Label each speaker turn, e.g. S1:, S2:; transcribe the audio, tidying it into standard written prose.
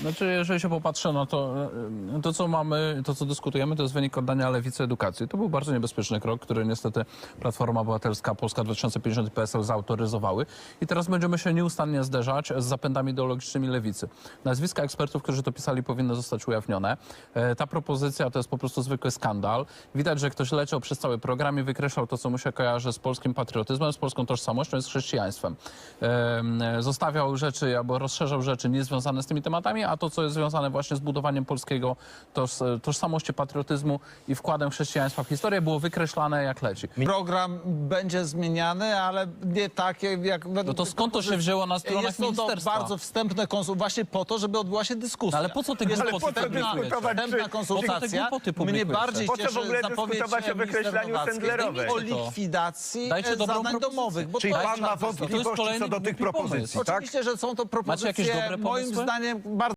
S1: Znaczy, jeżeli się popatrzy na to co mamy, to co dyskutujemy, to jest wynik oddania lewicy edukacji. To był bardzo niebezpieczny krok, który niestety Platforma Obywatelska, Polska 2050 i PSL zautoryzowały. I teraz będziemy się nieustannie zderzać z zapędami ideologicznymi lewicy. Nazwiska ekspertów, którzy to pisali, powinny zostać ujawnione. Ta propozycja to jest po prostu zwykły skandal. Widać, że ktoś leciał przez cały program i wykreślał to, co mu się kojarzy z polskim patriotyzmem, z polską tożsamością i z chrześcijaństwem. Zostawiał rzeczy albo rozszerzał rzeczy niezwiązane z tymi tematami, a to, co jest związane właśnie z budowaniem polskiego tożsamości, patriotyzmu i wkładem chrześcijaństwa w historię, było wykreślane jak leci.
S2: Program będzie zmieniany, ale nie tak jak...
S1: No to skąd to się wzięło na stronach
S2: jest to
S1: ministerstwa?
S2: bardzo wstępne konsultacje, właśnie po to, żeby odbyła się dyskusja.
S1: Ale po co te
S2: Jest to
S1: głupoty
S2: wstępna
S1: publikujecie?
S2: konsultacja.
S1: głupoty
S2: Mnie
S1: publikujecie?
S2: bardziej
S3: Po co w
S2: cieszy
S3: ogóle
S2: zapowiedź
S3: dyskutować o
S2: minister
S3: wykreślaniu
S2: Nowackiej
S3: Sendlerowej?
S2: o likwidacji
S1: Dajcie dobrą
S2: zadań
S1: propozycję.
S2: domowych. Bo
S3: Czyli
S2: to jest
S3: pan ma
S2: bardzo
S1: To jest
S3: wątpliwości
S1: kolejny
S3: co do tych
S1: głupi pomysł.
S3: propozycji, tak?
S2: Oczywiście, że są to
S1: Macie jakieś
S2: propozycje,
S1: dobre
S2: moim
S1: pomysły?
S2: zdaniem, bardzo